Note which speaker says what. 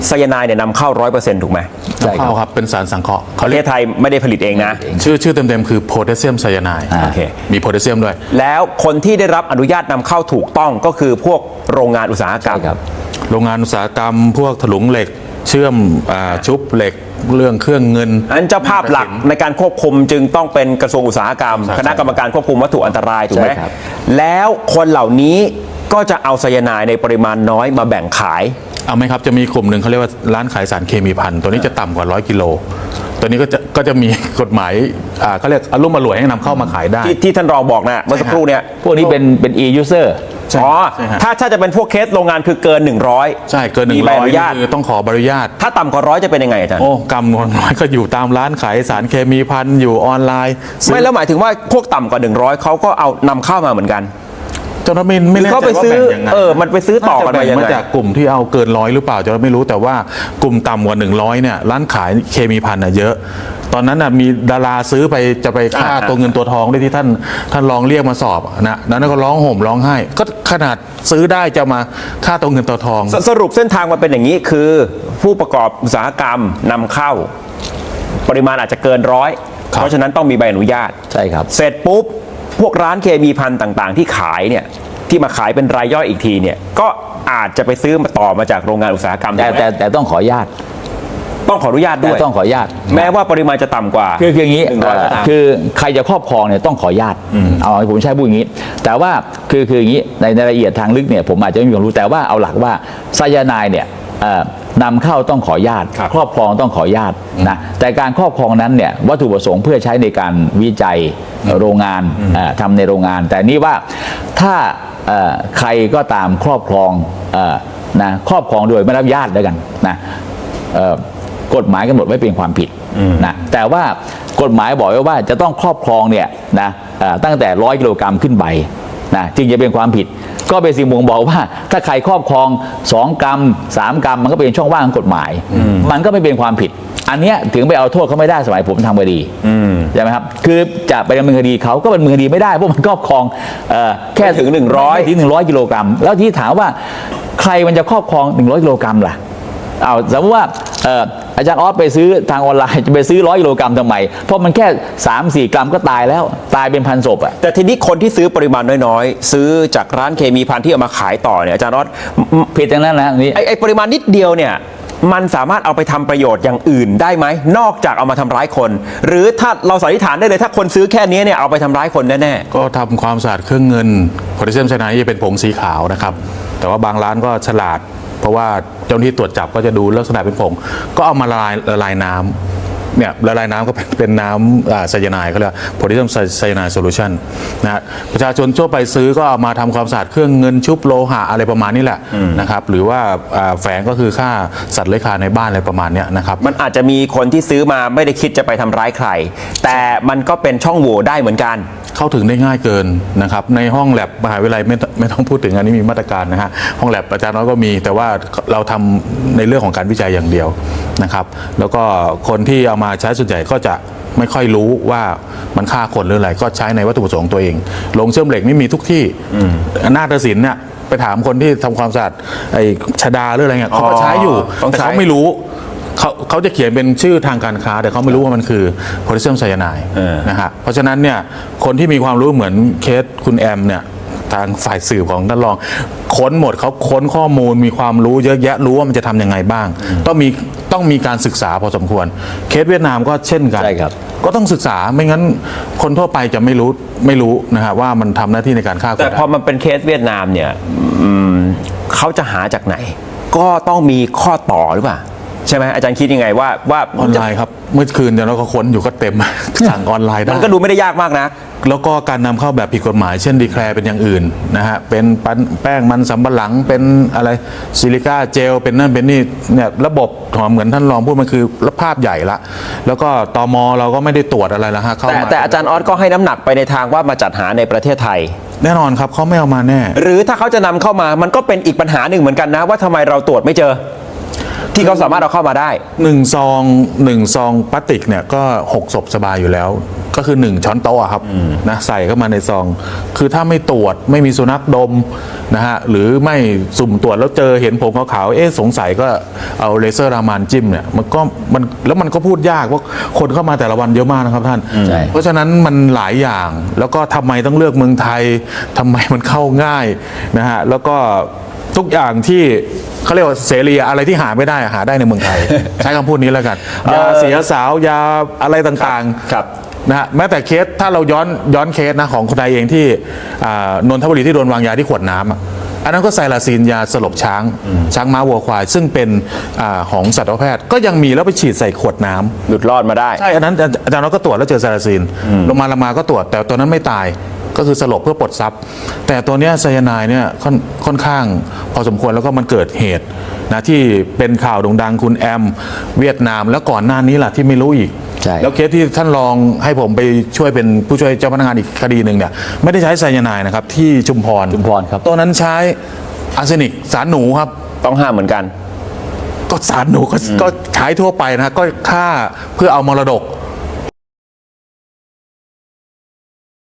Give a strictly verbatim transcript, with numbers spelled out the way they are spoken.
Speaker 1: ไซยาไนด์เนี่ยนำเข้าร้อยเปอร์เซ็นต์ถูกไหม
Speaker 2: ใช่ครับเป็นสารสังเคราะห์
Speaker 1: ประเทศไทยไม่ได้ผลิตเองนะ
Speaker 2: ชื่อชื่อเต็มๆคือโพแทสเซียมไซยาไนด์
Speaker 1: โอเค
Speaker 2: มีโพแทสเซียมด้วย
Speaker 1: แล้วคนที่ได้รับอนุญาตนำเข้าถูกต้องก็คือพวกโรงงานอุตสาหกรรม
Speaker 3: ครับ
Speaker 2: โรงงานอุตสาหกรรมพวกถลุงเหล็กเชื่อมชุบเหล็กเรื่องเครื่องเงิน
Speaker 1: อันเจ้าภาพหลักในการควบคุมจึงต้องเป็นกระทรวงอุตสาหกรรมคณะกรรมการควบคุมวัตถุอันตรายถูกไหม
Speaker 3: ใช่ครับ
Speaker 1: แล้วคนเหล่านี้ก็จะเอาไซยาไนด์ในปริมาณน้อยมาแบ่งขาย
Speaker 2: เอาไหมครับจะมีกลุ่มหนึ่งเขาเรียกว่าร้านขายสารเคมีพันตัวนี้จะต่ำกว่าร้อยกิโลตัวนี้ก็จะก็จะมีกฎหมายอ่าเขาเรียกอารมณ์อร่วยให้นำเข้ามาขายได้
Speaker 1: ที่ที่ท่านรองบอกนะเมื่อสักครู่เนี่ย
Speaker 3: พวกนี้เป็นเป็น e-user
Speaker 1: อ๋อ
Speaker 2: ใช่ฮะ
Speaker 1: ถ้าถ้าจะเป็นพวกเคสโรงงานคือเกินหนึ่งร้อย
Speaker 2: ใช่เกินหนึ่
Speaker 1: มี
Speaker 2: ง
Speaker 1: ใบ
Speaker 2: ร้อ
Speaker 1: อย นุญาต
Speaker 2: คือต้องขอใบอนุญาต
Speaker 1: ถ้าต่ำกว่าร้อยจะเป็นยังไงอาจารย์
Speaker 2: โอ้กำนวนน้อยก็อยู่ตามร้านขายสารเคมีพันอยู่ออนไลน์ซื้อ
Speaker 1: ไม่แล้วหมายถึงว่าพวกต่ำกว่าหนึ่งร้อยเขาก็เอานำเข้ามาเหมือนกัน
Speaker 2: จนเราไม่ไม่แน่ใจ
Speaker 1: เขา
Speaker 2: ว่า
Speaker 1: ไปซื้อ
Speaker 2: แบ่งยังไง
Speaker 1: เออมันไปซื้อต่อกันมายังไง
Speaker 2: น่จะแบ่มาจากกลุ่มที่เอาเกินร้อยหรือเปล่าจะไม่รู้แต่ว่ากลุ่มต่ำกว่าหนึ่งร้อยเนี่ยร้านขายเคมีพันน่ะเยอะ ตอนนั้นน่ะมีดาราซื้อไปจะไปฆ่า
Speaker 1: อ่า
Speaker 2: ตัวเงินตัวทองด้วยที่ท่านท่านลองเรียกมาสอบนะนั้นก็ร้องห่มร้องไห้ ก็ขนาดซื้อได้จะมาฆ่าตัวเงินตัวทอง
Speaker 1: สสรุปเส้นทางมันเป็นอย่างนี้คือผู้ประกอบอุตสาหกรรมนำเข้า ปริมาณอาจจะเกินร้อย
Speaker 2: ครับ
Speaker 1: เพราะฉะนั้นต้องมีใบอนุญาต
Speaker 3: ใช่ครับ
Speaker 1: เสร็จปุ๊บ พวกร้านเคมีพันต่างๆ ที่ขายเนี่ยที่มาขายเป็นรายย่อยอีกทีเนี่ยก็อาจจะไปซื้อมาต่อมาจากโรงงานอุตสาหกรรม
Speaker 3: แต่
Speaker 1: ถูกไหม
Speaker 3: แต่แต่ต้องขออนุญาต
Speaker 1: ต้องขออนุญาต
Speaker 3: แต่
Speaker 1: ด้วย
Speaker 3: ต้องขออนุญาต
Speaker 1: แม้ว่าปริมาณจะต่ำกว่า
Speaker 3: คือคืออย่างนี้
Speaker 1: หนึ่งร้อยก็ตาม
Speaker 3: คือใครจะครอบครองเนี่ยต้องขออนุญาตเอาผมใช้พูดอย่างนี้ แต่ว่าคือคืออย่างนี้ในในรายละเอียดทางลึกเนี่ยผมอาจจะไม่มีความรู้แต่ว่าเอาหลักว่าไซยาไนด์เนี่ยเอ่อนำเข้าต้องขออนุญาต
Speaker 1: ครับ
Speaker 3: ครอบครองต้องขออนุญาตนะแต่การครอบครองนั้นเนี่ยวัตถุประสงค์เพื่อใช้ในการวิจัยโรงงานเอ่อทำในโรงงาน แต่นี่ว่าถ้าเอ่อใครก็ตามครอบครองเอ่อนะครอบครองโดยไม่รับอนุญาตแล้วกันนะเอ่อกฎหมายกำหนดไว้เป็นความผิดนะแต่ว่ากฎหมายบอกไว้ว่าจะต้องครอบครองเนี่ยนะเอ่อตั้งแต่ร้อยกิโลกรัมขึ้นไปนะจึงจะเป็นความผิด ก็เป็นสิ่งบ่งบอกว่าถ้าใครครอบครองสองกรัมสามกรัมมันก็เป็นช่องว่างของกฎหมาย มันก็ไม่เป็นความผิด อันเนี้ยถึงไปเอาโทษเขาไม่ได้สมัยผมทำคดีใช่ไหมครับคือจะไปดำเนินคดีเขาก็เป็นดำเนินคดีไม่ได้เพราะมันครอบครองเอ่อแค่
Speaker 1: ไม่ถึงหนึ่งร้อย
Speaker 3: ไม่ถึงหนึ่งร้อยกิโลกรัมแล้วที่ถามว่าใครมันจะครอบครองหนึ่งร้อยกิโลกรัมล่ะเอาสมมติว่าเอ่ออาจารย์ออสไปซื้อทางออนไลน์จะไปซื้อร้อยกิโลกรัมทำไมเพราะมันแค่สามสี่กรัมก็ตายแล้วตายเป็นพันศพอ่ะ
Speaker 1: แต่ทีนี้คนที่ซื้อปริมาณน้อยๆ ซื้อจากร้านเคมีพันที่เอามาขายต่อเนี่ยอาจารย์รอด
Speaker 3: ผิดอย่างนั้นนะนี่
Speaker 1: ไอ้ไอ้ปริมาณนิดเดียวเนี่ยมันสามารถเอาไปทำประโยชน์อย่างอื่นได้ไหมนอกจากเอามาทำร้ายคน หรือถ้าเราสันนิษฐานได้เลยถ้าคนซื้อแค่นี้เนี่ยเอาไปทำร้ายคนแน่
Speaker 2: ก็ทำความสะอาดเครื่องเงินโพแทสเซียมไซยาไนด์จะเป็นผงสีขาวนะครับแต่ว่าบางร้านก็ฉลาด เพราะว่าเจ้าหน้าที่ตรวจจับก็จะดูลักษณะเป็นผงก็เอามาละลายละลายน้ำเนี่ยละลายน้ำก็เป็นเป็นน้ำอ่าไซยาไนด์เขาเรียกโพแทสเซียมไซยาไนด์โซลูชันนะฮะประชาชนทั่วไปซื้อก็เอามาทำความสะอาดเครื่องเงินชุบโลหะอะไรประมาณนี้แหละนะครับหรือว่าอ่าแฝงก็คือฆ่าสัตว์เลื้อยคลานในบ้านอะไรประมาณเนี้ยนะครับ
Speaker 1: ๆ มันอาจจะมีคนที่ซื้อมาไม่ได้คิดจะไปทำร้ายใคร แต่มันก็เป็นช่องโหว่ได้เหมือนกัน
Speaker 2: เข้าถึงได้ง่ายเกินนะครับในห้องแลบมหาวิทยาลัยไม่ไม่ต้องพูดถึงอันนี้มีมาตรการนะฮะห้องแลบอาจารย์น้อยก็มีแต่ว่าเราทำในเรื่องของการวิจัยอย่างเดียวนะครับแล้วก็คนที่เอามาใช้ส่วนใหญ่ก็จะไม่ค่อยรู้ว่ามันฆ่าคนหรืออะไรก็ใช้ในวัตถุประสงค์ตัวเองโรงเชื่อมเหล็กไม่มีทุกที่นาฏศิลป์เนี่ยไปถามคนที่ทำความสะอาดไอ้ชดาหรืออะไรเงี้ยเขาก็ใช้อยู่
Speaker 1: ต้อง
Speaker 2: แต่
Speaker 1: ใช้
Speaker 2: เขาไม่รู้เขาเขาจะเขียนเป็นชื่อทางการค้าแต่เขาไม่รู้ว่ามันคือโพแทสเซียมไซยาไนด์นะฮะเพราะฉะนั้นเนี่ยคนที่มีความรู้เหมือนเคสคุณแอมเนี่ยทางฝ่ายสืบของท่านรองค้นหมดเขาค้นข้อมูลมีความรู้เยอะแยะรู้ว่ามันจะทำยังไงบ้าง ต้องมีต้องมีการศึกษาพอสมควรเคสเวียดนามก็เช่นกัน
Speaker 3: ใช่ครับ
Speaker 2: ก็ต้องศึกษาไม่งั้นคนทั่วไปจะไม่รู้ไม่รู้นะฮะว่ามันทำหน้าที่ในการฆ่าคน
Speaker 1: แต่พอมันเป็นเคสเวียดนามเนี่ยอืมเขาจะหาจากไหน ก็ต้องมีข้อต่อหรือเปล่าใช่ไหมอาจารย์คิดยังไงว่าว่า
Speaker 2: ออนไลน์ครับเมื่อคืนเดี๋ยวเราก็ค้นอยู่ก็เต็ม สั่งออนไลน์ได้
Speaker 1: มันก็ดูไม่ได้ยากมากนะ
Speaker 2: แล้วก็การนำเข้าแบบผิดกฎหมายเช่นดีแคลร์เป็นอย่างอื่นนะฮะเป็นปั้นแป้งมันสำปะหลังเป็นอะไรซิลิก้าเจลเป็นนั่นเป็นนี่เนี่ยระบบของเหมือนท่านรองพูดมันคือภาพใหญ่ละแล้วก็ตมเราก็ไม่ได้ตรวจอะไรแล้วฮะเข้า
Speaker 1: แต่
Speaker 2: มา
Speaker 1: แต่อาจารย์ออสก็ให้น้ำหนักไปในทางว่ามาจัดหาในประเทศไทย
Speaker 2: แน่นอนครับเขาไม่เอามาแน่
Speaker 1: หรือถ้าเขาจะนำเข้ามามันก็เป็นอีกปัญหาหนึ่งเหมือนกันนะว่าทำไมเราตรวจไม่เจอที่เขาสามารถเอาเข้ามาได้
Speaker 2: หนึ่งซองหนึ่งซองพลาสติกเนี่ยก็หกศพสบายอยู่แล้ว ก็คือหนึ่งช้อนโต๊ะครับนะใส่เข้ามาในซอง คือถ้าไม่ตรวจไม่มีสุนัขดมนะฮะหรือไม่สุ่มตรวจแล้วเจอเห็นผมขาวๆเอ๊ะสงสัยก็เอาเลเซอร์รามานจิ้มเนี่ยมันก็มันแล้วมันก็พูดยากว่าคนเข้ามาแต่ละวันเยอะมากนะครับท่าน
Speaker 3: ใช่
Speaker 2: เพราะฉะนั้นมันหลายอย่างแล้วก็ทำไมต้องเลือกเมืองไทยทำไมมันเข้าง่ายนะฮะแล้วก็ทุกอย่างที่เขาเรียกว่าเสรีอะไรที่หาไม่ได้หาได้ในเมืองไทย ใช้คำพูดนี้แล้วกันยาเสียสาวยาอะไรต่างๆ
Speaker 1: ครับ
Speaker 2: นะฮะแม้แต่เคสถ้าเราย้อนย้อนเคสนะของคนไทยเองที่อ่านนทบุรีที่โดนวางยาที่ขวดน้ำอะอันนั้นก็ไซลาซีนยาสลบช้าง ช้างม้าวัวควาย ซึ่งเป็นอาของสัตวแพทย์ก็ยังมีแล้วไปฉีดใส่ขวดน้ำ
Speaker 1: หลุดรอดมาได้
Speaker 2: ใช่ อันนั้นอาจารย์น็อตก็ตรวจแล้วเจอไซลาซีนลงมาลงมาก็ตรวจแต่ตัวนั้นไม่ตายก็คือสลบเพื่อปลดทรัพย์ แต่ตัวเนี้ยไซยาไนด์เนี่ยค่อนค่อนข้างพอสมควรแล้วก็มันเกิดเหตุนะที่เป็นข่าวโด่งดังคุณแอมเวียดนามแล้วก่อนหน้านี้ล่ะที่ไม่รู้อีก
Speaker 3: ใช่
Speaker 2: แล้วเคสที่ท่านรองให้ผมไปช่วยเป็นผู้ช่วยเจ้าพนักงานอีกคดีหนึ่งเนี่ยไม่ได้ใช้ไซยาไนด์นะครับที่ชุมพร
Speaker 3: ชุมพรครับ
Speaker 2: ตัวนั้นใช้อาร์เซนิกสารหนูครับ
Speaker 1: ต้องห้ามเหมือนกัน
Speaker 2: ก็สารหนูก็ก็ใช้ทั่วไปนะฮะก็ฆ่าเพื่อเอามรดก